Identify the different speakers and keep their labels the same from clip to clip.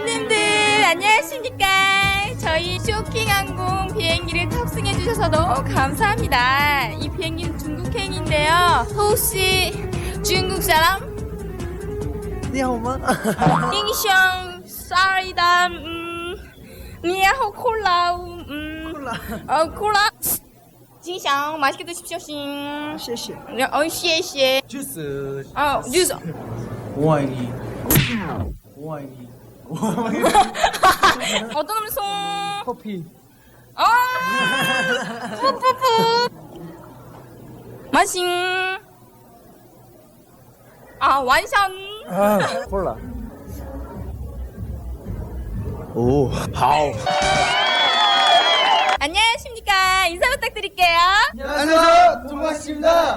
Speaker 1: 손님들 안녕하십니까. 저희 쇼킹항공 비행기를 탑승해주셔서 너무 감사합니다. 이 비행기는 중국행인데요. 혹시 중국 사람?
Speaker 2: 你好吗？
Speaker 1: 잉샹 쌀이다. 니하오 콜라. 콜라. 진상 맛있게 드십시오.
Speaker 2: 谢谢。
Speaker 1: 谢谢.
Speaker 2: 주스.
Speaker 1: 주스.
Speaker 2: 我爱你。我爱你。
Speaker 1: 어떤 음성?
Speaker 2: 커피.
Speaker 1: 푸푸푸. 마싱. 완샷.
Speaker 2: 콜라. 오. 好.
Speaker 1: 안녕하십니까. 인사 부탁드릴게요.
Speaker 2: 안녕하세요. 동아씨입니다.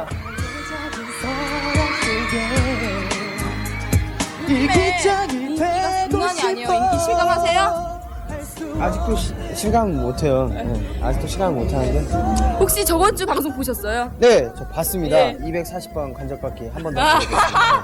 Speaker 1: 인기가 장난이 아니에요. 인기 실감하세요?
Speaker 3: 아직도 실감 못해요. 네. 아직도 실감 못하는데.
Speaker 1: 혹시 저번 주 방송 보셨어요?
Speaker 3: 네, 저 봤습니다.
Speaker 1: 네.
Speaker 3: 240번 간접받기 한 번 더 보겠습니다.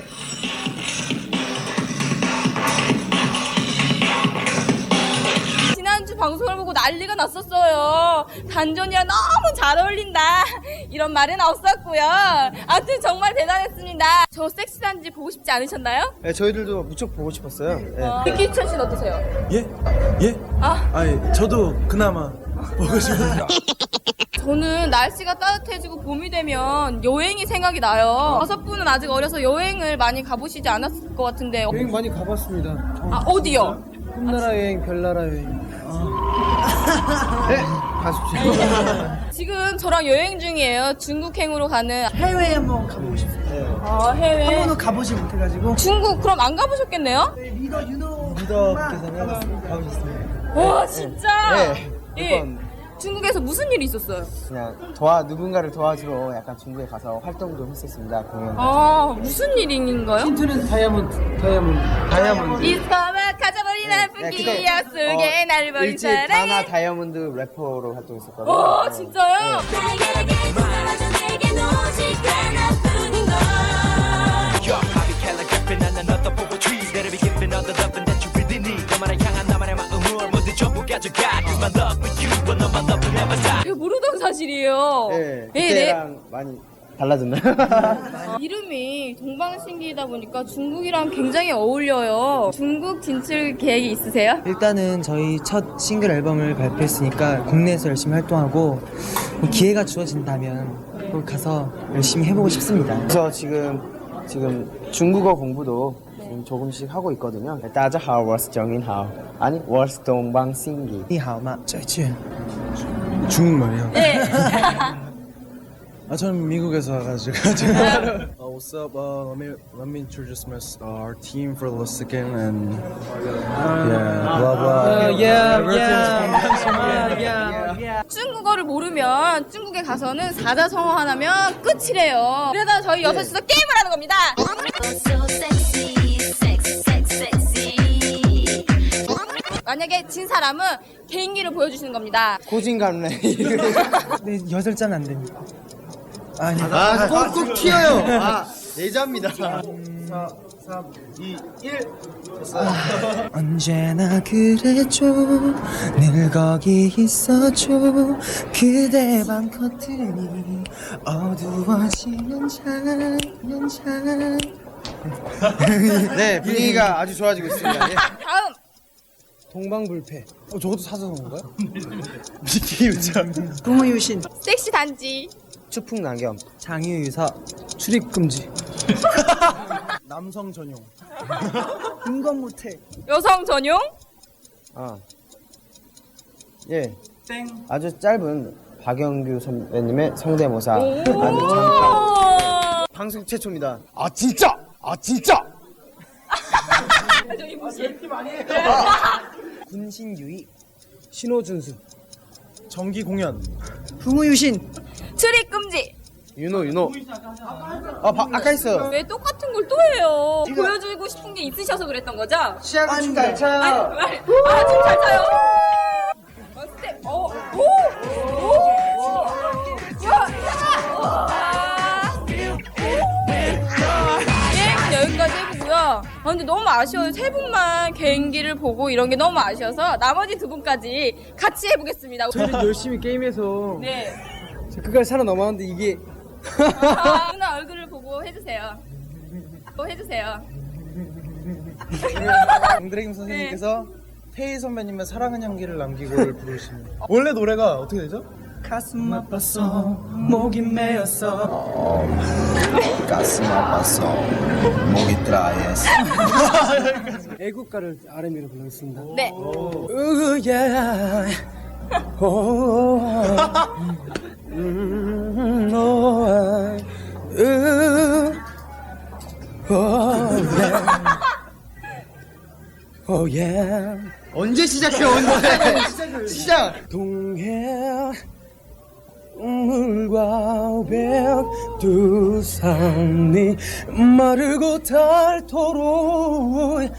Speaker 1: 지난주 방송을 보고 난리가 났었어요. 단전이랑 너무 잘 어울린다. 이런 말은 없었고요. 아무튼 정말 대단했습니다. 저 섹시한지 보고 싶지 않으셨나요?
Speaker 3: 네, 저희들도 무척 보고 싶었어요. 네.
Speaker 1: 백기천 씨는 어떠세요?
Speaker 4: 예? 예? 아니 저도 그나마 보고 싶어요.
Speaker 1: 저는 날씨가 따뜻해지고 봄이 되면 여행이 생각이 나요. 5분은 아직 어려서 여행을 많이 가보시지 않았을 것 같은데.
Speaker 3: 여행 많이 가봤습니다.
Speaker 1: 어디요?
Speaker 3: 꿈나라 여행, 별나라 여행. 네, 가십시오.
Speaker 1: 지금 저랑 여행 중이에요. 중국행으로 가는.
Speaker 2: 해외에 한번 가보고 싶어요.
Speaker 1: 해외.
Speaker 2: 한 번도 가보지 못해가지고.
Speaker 1: 중국 그럼 안 가보셨겠네요?
Speaker 2: 리더 윤호.
Speaker 3: 리더께서는 가보셨습니다.
Speaker 1: 와 진짜.
Speaker 3: 네,
Speaker 1: 예.
Speaker 3: 몇 번.
Speaker 1: 중국에서 무슨 일이 있었어요?
Speaker 3: 그냥 누군가를 도와주러 약간 중국에 가서 활동도 했었습니다. 공연.
Speaker 1: 무슨 일인가요?
Speaker 3: 힌트는 다이아몬드.
Speaker 1: 이스파마 가져버린 나쁜 기억 속에 나를 버린
Speaker 3: 일집 다나
Speaker 1: 사랑해.
Speaker 3: 다이아몬드 래퍼로 활동했었거든요.
Speaker 1: 와
Speaker 3: 네.
Speaker 1: 진짜요? 제가 모르던 사실이에요.
Speaker 3: 네,
Speaker 1: 네,
Speaker 3: 그때랑 많이 달라졌나요?
Speaker 1: 이름이 동방신기이다 보니까 중국이랑 굉장히 어울려요. 중국 진출 계획이 있으세요?
Speaker 5: 일단은 저희 첫 싱글 앨범을 발표했으니까 국내에서 열심히 활동하고 뭐 기회가 주어진다면 꼭 가서 열심히 해보고 싶습니다.
Speaker 3: 그래서 지금 중국어 공부도 지금 조금씩 하고 있거든요. 大家好，我是정인하오. 아니, 我是동방신기.
Speaker 5: 你好吗？再见。
Speaker 4: 중국말이요?
Speaker 1: 네.
Speaker 4: 저는 미국에서 와가지고. What's up? Let me introduce our team for the second and blah blah.
Speaker 1: 중국어를 모르면 중국에 가서는 사자성어 하나면 끝이래요. 그래서 저희 여섯이서 게임을 하는 겁니다. 만약에 진 사람은 개인기를 보여주시는 겁니다.
Speaker 3: 고진감래.
Speaker 5: 네, 8잔 안 됩니다. 아니,
Speaker 3: 꼭 튀어요. 예자입니다. 4, 3, 2, 1.
Speaker 5: 언제나 그래줘 늘 거기 있어줘 그대 방 커튼이 어두워지면 잘
Speaker 3: 네, 분위기가 아주 좋아지고 있습니다. 예.
Speaker 1: 다음
Speaker 5: 동방불패. 저것도 사서 온 거야?
Speaker 2: 동호유신.
Speaker 1: 섹시 단지.
Speaker 3: 추풍낙엽.
Speaker 5: 장유유서 출입금지.
Speaker 4: 남성 전용.
Speaker 2: 인권모태.
Speaker 1: 여성 전용.
Speaker 3: 예. 아주 짧은 박영규 선배님의 성대모사. 아주 잠깐.
Speaker 1: 오.
Speaker 3: 방송 최초입니다.
Speaker 1: 저기 무슨
Speaker 5: 군신유의. 신호준수.
Speaker 4: 정기 공연.
Speaker 2: 동호유신.
Speaker 1: 출입 금지.
Speaker 3: 윤호. 아까 했어요.
Speaker 1: 왜 똑같은 걸 또 해요? 보여주고 싶은 게 있으셔서 그랬던 거죠?
Speaker 3: 시작은 잘 차요.
Speaker 1: 춤 잘 차요. 스텝. 오. 야. 여기까지 해보고요. 근데 너무 아쉬워요. 세 분만 개인기를 보고 이런 게 너무 아쉬워서 나머지 두 분까지 같이 해보겠습니다.
Speaker 2: 저희는 열심히 게임해서
Speaker 1: 네.
Speaker 2: 그까지 살아남았는데 이게
Speaker 1: 누나 얼굴을 보고 해주세요. 해주세요.
Speaker 4: 강드래김 선생님께서 태희 선배님의 사랑은 향기를 남기고를 부르십니다. 원래 노래가 어떻게 되죠?
Speaker 2: 가슴 아팠어 목이 메었어
Speaker 3: 가슴 아파서 목이 드라이했어.
Speaker 2: 애국가를 R&B로 불러겠습니다.
Speaker 1: 네.
Speaker 2: 으야
Speaker 3: 언제 시작해 언제? 시작.
Speaker 2: 동해 물과 백두산이 마르고 닳도록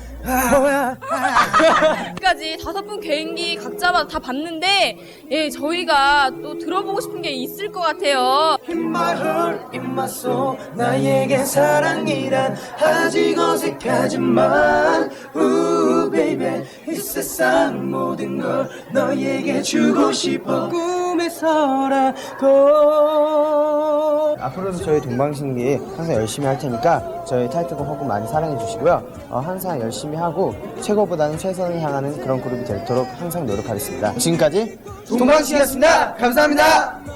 Speaker 1: 까지 5분 개인기 각자마다 다 봤는데 예 저희가 또 들어보고 싶은 게 있을 것 같아요.
Speaker 2: 흰말을 입맛소 나에게 사랑이란 아직 어색하지만 baby 이 세상 모든 걸 너에게 주고 싶어 꿈에서라도
Speaker 3: 앞으로도 저희 동방신기 항상 열심히 할 테니까 저희 타이틀곡 허구 많이 사랑해 주시고요. 항상 열심히 하고 최고보다는 최선을 향하는 그런 그룹이 되도록 항상 노력하겠습니다. 지금까지 동방신기였습니다. 감사합니다.